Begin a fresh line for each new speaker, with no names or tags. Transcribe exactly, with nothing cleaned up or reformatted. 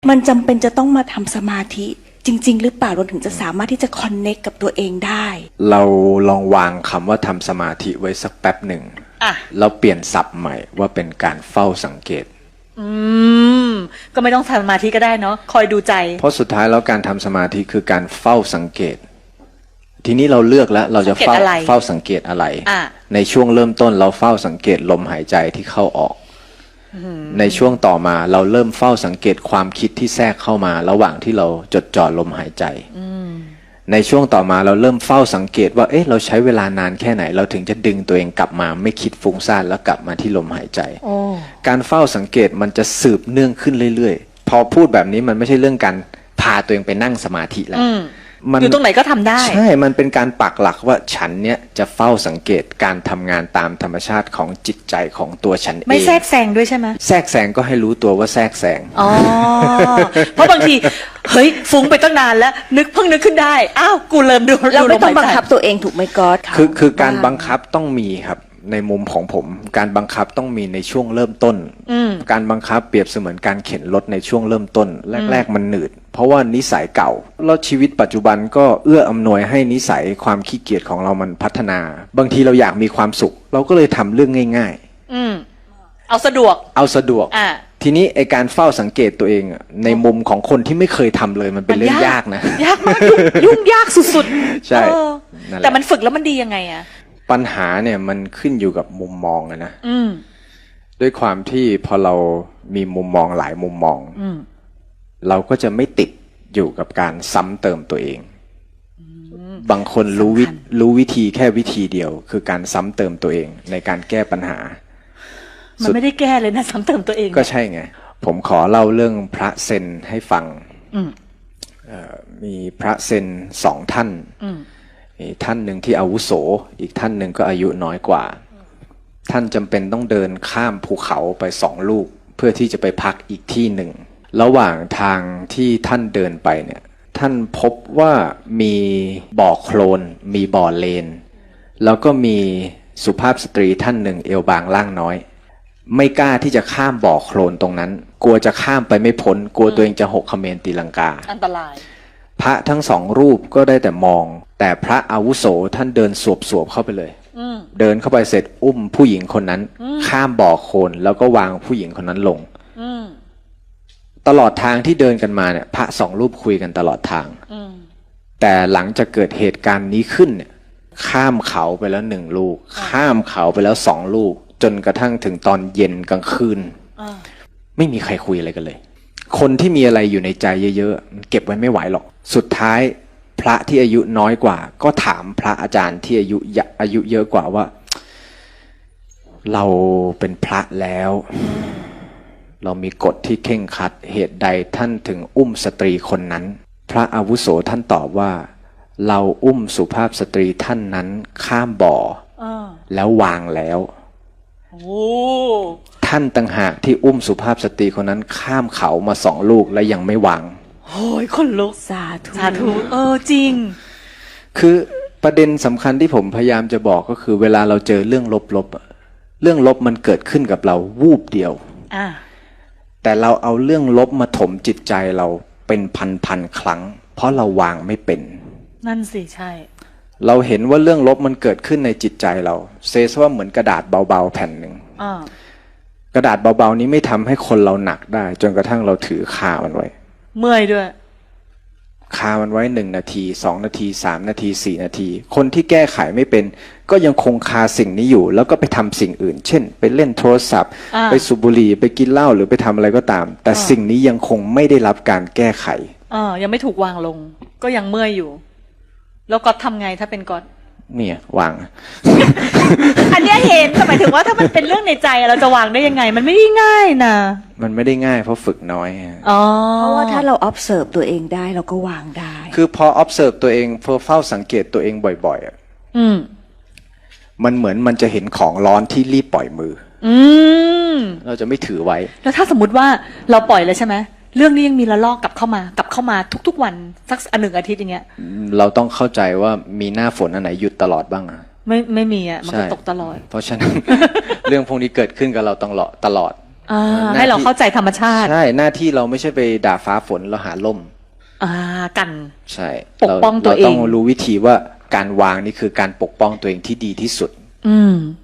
มันจำเป็นจะต้องมาทำสมาธิจริงๆหรือเปล่าเราถึงจะสามารถที่จะคอนเนคกับตัวเองได้
เราลองวางคำว่าทำสมาธิไว้สักแป๊บหนึ่งแล้วเปลี่ยนศัพท์ใหม่ว่าเป็นการเฝ้าสังเกต
อืมก็ไม่ต้องทำสมาธิก็ได้เนาะคอยดูใจ
เพราะสุดท้ายแล้วการทำสมาธิคือการเฝ้าสังเกตทีนี้เราเลือกแล้วเราจะเฝ้าเฝ้าสังเกตอะไรในช่วงเริ่มต้นเราเฝ้าสังเกตลมหายใจที่เข้าออกในช่วงต่อมาเราเริ่มเฝ้าสังเกตความคิดที่แทรกเข้ามาระหว่างที่เราจดจ่อลมหายใจในช่วงต่อมาเราเริ่มเฝ้าสังเกตว่าเอ๊ะเราใช้เวลานานแค่ไหนเราถึงจะดึงตัวเองกลับมาไม่คิดฟุ้งซ่านแล้วกลับมาที่ลมหายใจการเฝ้าสังเกตมันจะสืบเนื่องขึ้นเรื่อยๆพอพูดแบบนี้มันไม่ใช่เรื่องการพาตัวเองไปนั่งสมาธิแล้ว
อยู่ตรงไหนก็ทำได้
ใช่มันเป็นการปักหลักว่าฉันเนี้ยจะเฝ้าสังเกตการทำงานตามธรรมชาติของจิตใจของตัวฉันเอง
ไม่แทรกแซงด้วยใช่ไหม
แทรกแซงก็ให้รู้ตัวว่าแทรกแซง
อ๋อ เพราะบางทีเฮ้ยฟุ้งไปตั้งนานแล้วนึกเพิ่งนึกขึ้นได้อ้าวกูเริ่มดู
เราไม่ต้องบังคับตัวเองถูกไหมก๊อต
คือคือการบังคับต้องมีครับในมุมของผมการบังคับต้องมีในช่วงเริ่มต้นการบังคับเปรียบเสมือนการเข็นรถในช่วงเริ่มต้นแรกๆมันหนืดเพราะว่านิสัยเก่าแล้วชีวิตปัจจุบันก็เอื้ออำนวยให้นิสัยความขี้เกียจของเรามันพัฒนาบางทีเราอยากมีความสุขเราก็เลยทำเรื่องง่าย
ๆอืมเอาสะดวก
เอาสะดวกอ่าทีนี้ไอการเฝ้าสังเกตตัวเองในมุมของคนที่ไม่เคยทำเลยมันเป็นเรื่องยากนะ
ยากมากยุ่งยากสุดๆ
ใช่
แต่มันฝึกแล้วมันดียังไงอะ
ปัญหาเนี่ยมันขึ้นอยู่กับมุมมองนะด้วยความที่พอเรามีมุมมองหลายมุมมองเราก็จะไม่ติดอยู่กับการซ้ำเติมตัวเองบางคนรู้วิรู้วิธีแค่วิธีเดียวคือการซ้ำเติมตัวเองในการแก้ปัญหา
มันไม่ได้แก้เลยนะซ้ำเติมตัวเอง
ก็ใช่ไงผมขอเล่าเรื่องพระเซนให้ฟังมีพระเซนสองท่านท่านหนึ่งที่อาวุโสอีกท่านหนึ่งก็อายุน้อยกว่าท่านจำเป็นต้องเดินข้ามภูเขาไปสองลูกเพื่อที่จะไปพักอีกที่หนึ่งระหว่างทางที่ท่านเดินไปเนี่ยท่านพบว่ามีบ่อโคลนมีบ่อเลนแล้วก็มีสุภาพสตรีท่านหนึ่งเอวบางล่างน้อยไม่กล้าที่จะข้ามบ่อโคลนตรงนั้นกลัวจะข้ามไปไม่พ้นกลัวตัวเองจะหกเขมรตีลังกา
อันตราย
พระทั้งสองรูปก็ได้แต่มองแต่พระอาวุโสท่านเดินสวบๆเข้าไปเลยเดินเข้าไปเสร็จอุ้มผู้หญิงคนนั้นข้ามบ่อโคลนแล้วก็วางผู้หญิงคนนั้นลงตลอดทางที่เดินกันมาเนี่ยพระสองรูปคุยกันตลอดทางแต่หลังจากเกิดเหตุการณ์นี้ขึ้นเนี่ยข้ามเขาไปแล้วหนึ่งลูกข้ามเขาไปแล้วสองลูกจนกระทั่งถึงตอนเย็นกลางคืนไม่มีใครคุยอะไรกันเลยคนที่มีอะไรอยู่ในใจเยอะๆมันเก็บไว้ไม่ไหวหรอกสุดท้ายพระที่อายุน้อยกว่าก็ถามพระอาจารย์ที่อายุอายุเยอะกว่าว่าเราเป็นพระแล้วเรามีกฎที่เคร่งครัดเหตุใดท่านถึงอุ้มสตรีคนนั้นพระอาวุโสท่านตอบว่าเราอุ้มสุภาพสตรีท่านนั้นข้ามบ่อแล้ววางแล้วท่านต่างหากที่อุ้มสุภาพสตรีคนนั้นข้ามเขามาสองลูกและยังไม่วาง
โอ้ยคนลุก
สาธุ
สาธุเออจริง
คือประเด็นสำคัญที่ผมพยายามจะบอกก็คือเวลาเราเจอเรื่องลบๆเรื่องลบมันเกิดขึ้นกับเราวูบเดียวอ่าแต่เราเอาเรื่องลบมาถมจิตใจเราเป็นพันๆครั้งเพราะเราวางไม่เป็น
นั่นสิใช่
เราเห็นว่าเรื่องลบมันเกิดขึ้นในจิตใจเราเซซว่าเหมือนกระดาษเบาๆแผ่นหนึ่งกระดาษเบาๆนี้ไม่ทำให้คนเราหนักได้จนกระทั่งเราถือคามันไว้
เมื่อยด้วย
คามันไว้หนึ่งนาทีสองนาทีสามนาทีสี่นาทีคนที่แก้ไขไม่เป็นก็ยังคงคาสิ่งนี้อยู่แล้วก็ไปทำสิ่งอื่นเช่นไปเล่นโทรศัพท์ไปสูบบุหรี่ไปกินเหล้าหรือไปทำอะไรก็ตามแต่สิ่งนี้ยังคงไม่ได้รับการแก้ไข
อ่ายังไม่ถูกวางลงก็ยังเมื่อยอยู่แล้วก็ทำไงถ้าเป็นก๊อต
เนี่ยวาง
อันนี้เห็นหมายถึงว่าถ้ามันเป็นเรื่องในใจเราจะวางได้ยังไงมันไม่ได้ง่ายนะ
มันไม่ได้ง่ายเพราะฝึกน้อย
อ๋อ
เพราะว่าถ้าเรา observe ตัวเองได้เราก็วางได้
คือพอ observe ตัวเองพอเฝ้าสังเกตตัวเองบ่อยๆอ่ะอืมมันเหมือนมันจะเห็นของร้อนที่รีบปล่อยมืออืมเราจะไม่ถือไว้
แล้วถ้าสมมุติว่าเราปล่อยเลยใช่ไหมเรื่องนี้ยังมีระลอกกลับเข้ามากลับเข้ามาทุกๆวันสักอันหนึ่งอาทิตย์อย่างเงี้ย
เราต้องเข้าใจว่ามีหน้าฝนอันไหนหยุดตลอดบ้างอ่ะ
ไม่ไม่มีอ่ะมันก็ตกตลอด
เพราะฉะนั้น เรื่องพวกนี้เกิดขึ้นกับเราตลอดตลอด
อ่า
หน้าที่
ให้เราเข้าใจธรรมชาติ
ใช่หน้าที่เราไม่ใช่ไปด่าฟ้าฝนเราหาล่ม
อ่ากัน
ใช่
ปกป้องตัวเอง
เราต้องรู้วิธีว่าการวางนี่คือการปกป้องตัวเองที่ดีที่สุด
อืม